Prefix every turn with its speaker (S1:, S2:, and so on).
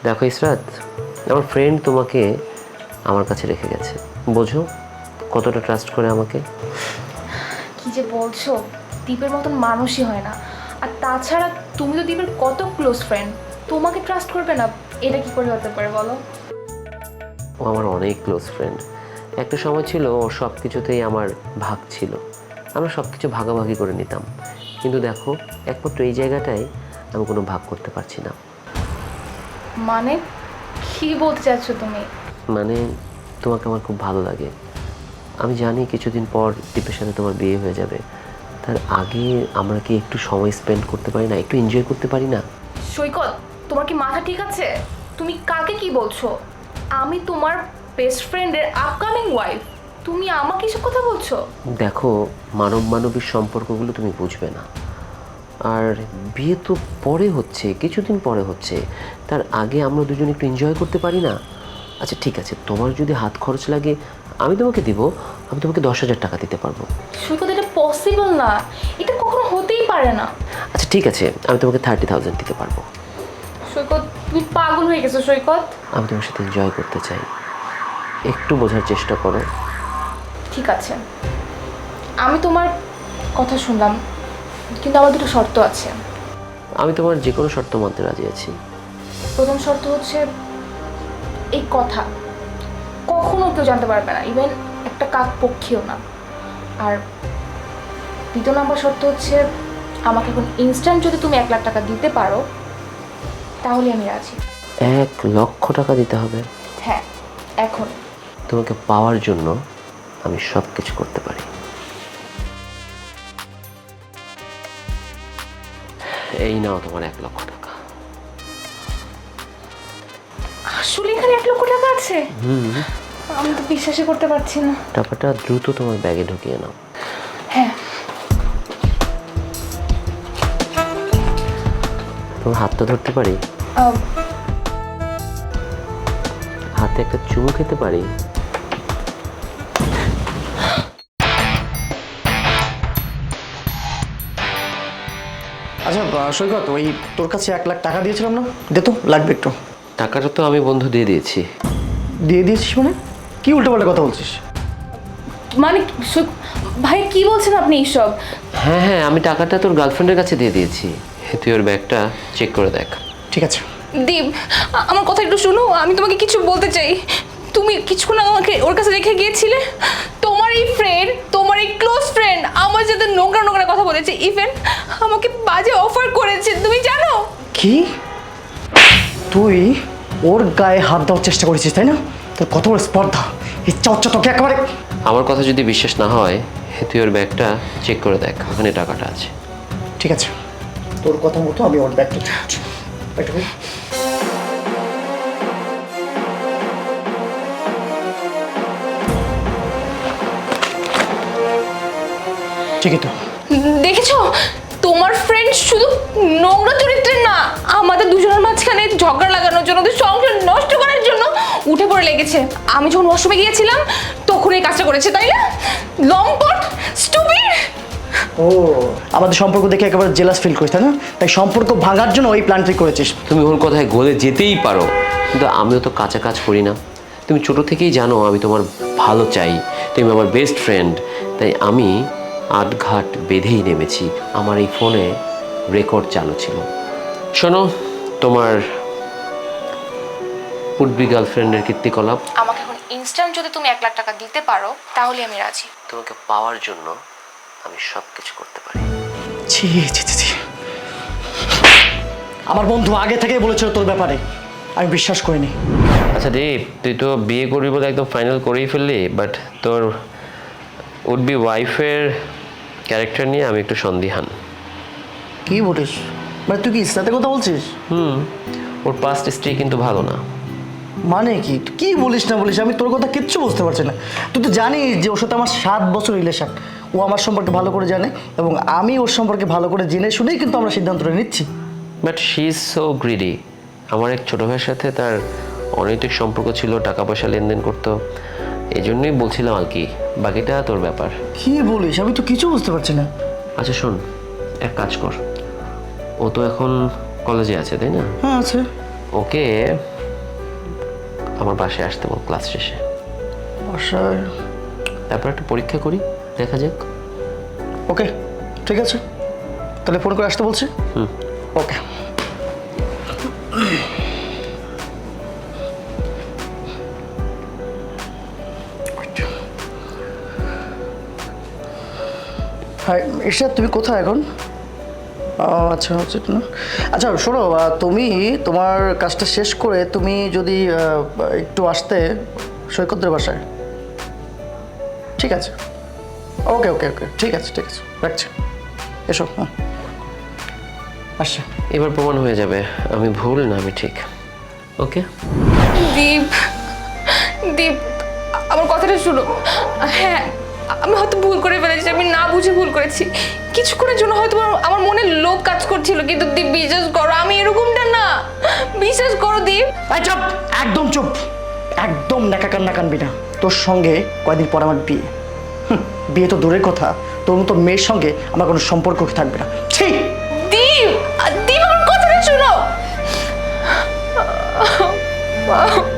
S1: দেখো ইসরাত, আমার ফ্রেন্ড তোমাকে আমার কাছে রেখে গেছে, বোঝো কতটা ট্রাস্ট করে আমাকে।
S2: কি যে বলছো, দীপের মতন মানুষই হয় না। আর তাছাড়া তুমি তো দীপের কত ক্লোজ ফ্রেন্ড, তোমাকে ট্রাস্ট করবে না? এটা কি করে হতে পারে বলো?
S1: ও আমার অনেক ক্লোজ ফ্রেন্ড। একটা সময় ছিল ওর সব কিছুতেই আমার ভাগ ছিল, আমরা সব কিছু ভাগাভাগি করে নিতাম। কিন্তু দেখো একমাত্র এই জায়গাটায় আমি কোনো ভাগ করতে পারছি না।
S2: মানে কি বলতে চাচ্ছ তুমি?
S1: মানে তোমাকে আমার খুব ভালো লাগে। আমি জানি কিছুদিন পর দীপের সাথে তোমার বিয়ে হয়ে যাবে, তার আগে আমরা কি একটু সময় স্পেন্ড করতে পারি না, একটু এনজয় করতে পারি না?
S2: সৈকত, তোমার কি মাথা ঠিক আছে? তুমি কাকে কি বলছো? আমি তোমার বেস্ট ফ্রেন্ডের আপকামিং ওয়াইফ, তুমি আমাকে এসব কথা বলছো?
S1: দেখো মানবিক সম্পর্কগুলো তুমি বুঝবে না। আর বিয়ে তো পরে হচ্ছে, কিছুদিন পরে হচ্ছে, তার আগে আমরা দুজন একটু এনজয় করতে পারি না? আচ্ছা ঠিক আছে, তোমার যদি হাত খরচ লাগে আমি তোমাকে দিব, আমি তোমাকে 10,000 টাকা দিতে পারবো।
S2: সৈকত, এটা পসিবল না, এটা কখনো হতেই পারে না।
S1: আচ্ছা ঠিক আছে, আমি তোমাকে 30,000 দিতে পারবো।
S2: সৈকত, তুমি পাগল হয়ে গেছো সৈকত।
S1: আমি তোমার সাথে এনজয় করতে চাই, একটু বোঝার চেষ্টা করো।
S2: ঠিক আছে, আমি তোমার কথা শুনলাম, কিন্তু আমার দুটো শর্ত আছে।
S1: আমি তোমার যে কোনো শর্ত মানতে রাজি আছি।
S2: প্রথম শর্ত হচ্ছে, এই কথা কখনো কেউ জানতে পারবে না, ইভেন একটা কাক পক্ষীও না। আর দ্বিতীয় নম্বর শর্ত হচ্ছে, আমাকে এখন ইনস্ট্যান্ট যদি তুমি 1 লাখ টাকা দিতে পারো তাহলে আমি রাজি।
S1: 1,00,000 টাকা দিতে হবে?
S2: হ্যাঁ, এখন।
S1: তোমাকে পাওয়ার জন্য আমি সব কিছু করতে পারি। এই নাও তোমার 1,00,000 টাকা।
S2: আসলে এখানে 1 লক্ষ টাকা আছে? আমি তো বিশ্বাসই করতে পারছি না।
S1: টাকাটা দ্রুত তোমার ব্যাগে ঢুকিয়ে নাও।
S2: হ্যাঁ।
S1: তোমার হাতটা ধরতে পারি?
S2: আহ,
S1: হাতে একটা চুমু খেতে পারি?
S3: আচ্ছা সৈকত, ওই তোর কাছে 1 লাখ টাকা দিয়েছিলাম না, দে তো, লাগবে একটু।
S1: টাকাটা তো আমি বন্ধু দিয়ে দিয়েছি।
S3: দিয়ে দিয়েছিস মানে? কি উল্টোপাল্টা কথা বলছিস?
S2: মানে ভাই কি বলছেন আপনি এইসব?
S1: হ্যাঁ হ্যাঁ, আমি টাকাটা তোর গার্লফ্রেন্ডের কাছে দিয়ে দিয়েছি। তুই ওর ব্যাগটা চেক করে দেখ।
S3: ঠিক আছে।
S2: দীপ, আমার কথা একটু শোনো, আমি তোমাকে কিছু বলতে চাই। তুমি কিছুক্ষণ আগে আমাকে ওর কাছে রেখে গিয়েছিলে। তোমার এই ফ্রেন্ড, তোমার এই ক্লোজ ফ্রেন্ড আমার সাথে নোংরা নোংরা কথা বলেছে, ইভেন আমাকে বাজে অফার করেছে, তুমি জানো?
S3: কি? তুই ওর গায়ে হাত দেওয়ার চেষ্টা করেছিস তাই না? তোর কত বড় স্পর্ধা! ইচ্ছা হচ্ছে তোকে একেবারে।
S1: আমার কথা যদি বিশ্বাস না হয় তুই ওর ব্যাগটা চেক করে দেখ, ওখানে টাকাটা আছে।
S3: ঠিক আছে, তোর কথা মতো আমি ওর ব্যাগটা চাচ্ছি। ঠিকই তো।
S2: দেখেছো, তোমার ফ্রেন্ড শুধু নোংরা চরিত্রের না, আমাদের দুজনের মাঝখানে ঝগড়া লাগানোর জন্য, ওদের সংসার নষ্ট করার জন্য উঠে পড়ে লেগেছে। আমি যখন ওয়াশরুমে গিয়েছিলাম তখন এই কাজটা করেছে, তাই না? লম্পট, স্টুপিড।
S3: ও, আমাদের সম্পর্ক দেখে একেবারে জেলাস ফিল করিস তাই না? তাই সম্পর্ক ভাঙার জন্য ওই প্ল্যানটি করেছিস।
S1: তুমি ওর কথায় গলে যেতেই পারো, কিন্তু আমিও তো কাঁচা কাজ করি না। তুমি ছোট থেকেই জানো আমি তোমার ভালো চাই, তুমি আমার বেস্ট ফ্রেন্ড। তাই আমি আটঘাট বেঁধেই নেমেছি। আমার এই ফোনে রেকর্ড চালু ছিল। শোনো, তোমার উডবি গার্লফ্রেন্ডের কীর্তিকলাপ।
S2: আমাকে এখন ইনস্ট্যান্ট যদি তুমি 1 লাখ টাকা দিতে পারো তাহলে আমি রাজি।
S1: তোমাকে পাওয়ার জন্য আমি সব কিছু করতে পারি।
S3: ছি ছি ছি ছি। আমার বন্ধু আগে থেকেই বলেছিল তোর ব্যাপারে, আমি বিশ্বাস করিনি।
S1: আচ্ছা দীপ, তুই তো বিয়ে করবি বলে একদম ফাইনাল করেই ফেললি, বাট তোর উডবি ওয়াইফের ক্যারেক্টার নিয়ে আমি একটু সন্দিহান।
S3: কি বলিস? মানে তুই কি ইসলাতের কথা বলছিস?
S1: ওর পাস্ট স্ত্রী কিন্তু ভালো না।
S3: মানে কি? তুই কি বলিস না বলিস, আমি তোর কথা কিচ্ছু বুঝতে পারছি না। তুই তো জানিস যে ওর সাথে আমার 7 বছর রিলেশন। ও আমার সম্পর্কে ভালো করে জানে এবং আমি ওর সম্পর্কে ভালো করে জেনে শুনেই কিন্তু আমরা সিদ্ধান্তটা নিচ্ছি।
S1: But she is so greedy. আমার এক ছোটো ভাইয়ের সাথে তার অনৈতিক সম্পর্ক ছিল, টাকা পয়সা লেনদেন করতো, এই জন্যই বলছিলাম আর কি। বাকিটা তোর ব্যাপার।
S3: কি বলিস? আমি তো কিছু বুঝতে পারছি না।
S1: আচ্ছা শোন, এক কাজ কর, ও তো এখন কলেজে আছে তাই না?
S3: হ্যাঁ আছে।
S1: ওকে আমার বাসায় আসতে বল ক্লাস শেষে।
S3: বাসায়?
S1: তারপর একটা পরীক্ষা করি, দেখা যাক।
S3: ওকে, ঠিক আছে, তাহলে ফোন করে আসতে বলছি। ওকে। হাই ঈশা, তুমি কোথায় এখন? আচ্ছা আচ্ছা না, আচ্ছা শোনো, তুমি তোমার কাজটা শেষ করে তুমি যদি একটু আসতে সৈকতের বাসায়। ঠিক আছে, ওকে ওকে ওকে, ঠিক আছে ঠিক আছে, রাখছি, এসো। হ্যাঁ, আসছে।
S1: এবার প্রমাণ হয়ে যাবে আমি ভুল না আমি ঠিক। ওকে
S2: দীপ, দীপ আমার কথাটা শুনো। হ্যাঁ, আমি হয়তো ভুল করে ফেলেছি, আমি না বুঝে ভুল করেছি। কিছুক্ষণের জন্য হয়তো আমার মনে লোভ কাজ করছিল, কিন্তু দীপ বিশ্বাস করো আমি এরকমটা না। বিশ্বাস করো দীপ।
S3: এই চুপ, একদম চুপ, একদম নাকা কান্না কানবি না। তোর সঙ্গে কয়দিন পর আমার বিয়ে। বিয়ে তো দূরের কথা, তোর মতো মেয়ের সঙ্গে আমার কোনো সম্পর্ক থাকবে না। ঠিক
S2: দীপ, দীপ আমার কথাটা শুনো।